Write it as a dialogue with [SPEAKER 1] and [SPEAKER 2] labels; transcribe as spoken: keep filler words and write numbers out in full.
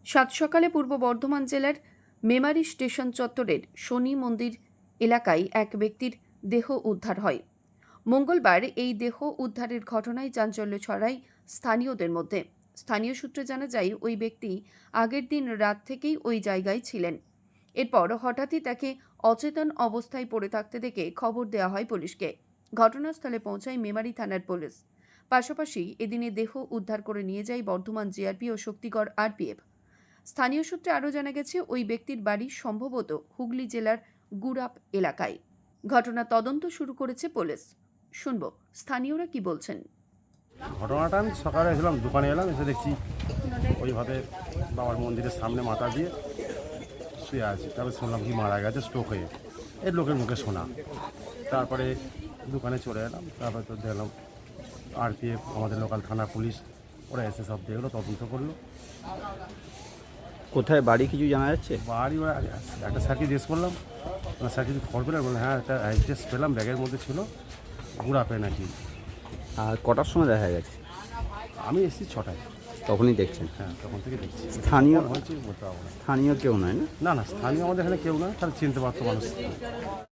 [SPEAKER 1] সাত সকালে পূর্ব বর্ধমান জেলার মেমারি স্টেশন চত্বরের শনি মন্দির এলাকায় এক ব্যক্তির দেহ উদ্ধার হয়। মঙ্গলবার এই দেহ উদ্ধারের ঘটনায় চাঞ্চল্য ছড়ায় স্থানীয়দের মধ্যে। স্থানীয় সূত্রে জানা যায়, ওই ব্যক্তি আগের দিন রাত থেকেই ওই জায়গায় ছিলেন। এরপর হঠাৎই তাকে অচেতন অবস্থায় পড়ে থাকতে দেখে খবর দেওয়া হয় পুলিশকে। ঘটনাস্থলে পৌঁছায় মেমারি থানার পুলিশ। পাশাপাশি এদিনে দেহ উদ্ধার করে নিয়ে যায় বর্ধমান জিআরপি ও শক্তিগড় আরপিএফ। স্থানীয় সূত্রে আরও জানা গেছে, ওই ব্যক্তির বাড়ি সম্ভবত হুগলি জেলার গুড়াপ এলাকায়। ঘটনা তদন্ত শুরু করেছে পুলিশ। শুনবো স্থানীয়রা কি বলছেন।
[SPEAKER 2] ঘটনাটা আমি সকালে এসেছিলাম, দোকানে এলাম, এসে দেখছি ওইভাবে বাবার মন্দিরের সামনে মাথা দিয়ে শুয়ে আছে। তারপরে শুনলাম কি মারা গেছে স্ট্রোক হয়ে, এর লোকের মুখে শোনা। তারপরে দোকানে চলে এলাম, তারপরে তো দেখলাম আরপিএফ, আমাদের লোকাল থানা পুলিশ, ওরা এসে সব দেখলো, তদন্ত করলো।
[SPEAKER 3] কোথায় বাড়ি কিছু জানা যাচ্ছে?
[SPEAKER 2] বাড়ি ওরা একটা স্যারকে জিজ্ঞেস করলাম, স্যার কিছু খবর পেলেন? বললেন হ্যাঁ, একটা অ্যাড্রেস পেলাম, ব্যাগের মধ্যে ছিল, গুড়াপে নাকি।
[SPEAKER 3] আর কটার সময় দেখা গেছে?
[SPEAKER 2] আমি এসেছি ছটায়।
[SPEAKER 3] তখনই দেখছেন?
[SPEAKER 2] হ্যাঁ, তখন থেকে দেখছি।
[SPEAKER 3] স্থানীয়
[SPEAKER 2] হয়েছে বলতে পারবো না।
[SPEAKER 3] স্থানীয় কেউ নয় না?
[SPEAKER 2] না না স্থানীয় আমাদের এখানে কেউ না, তাহলে চিনতে পারতো মানুষ।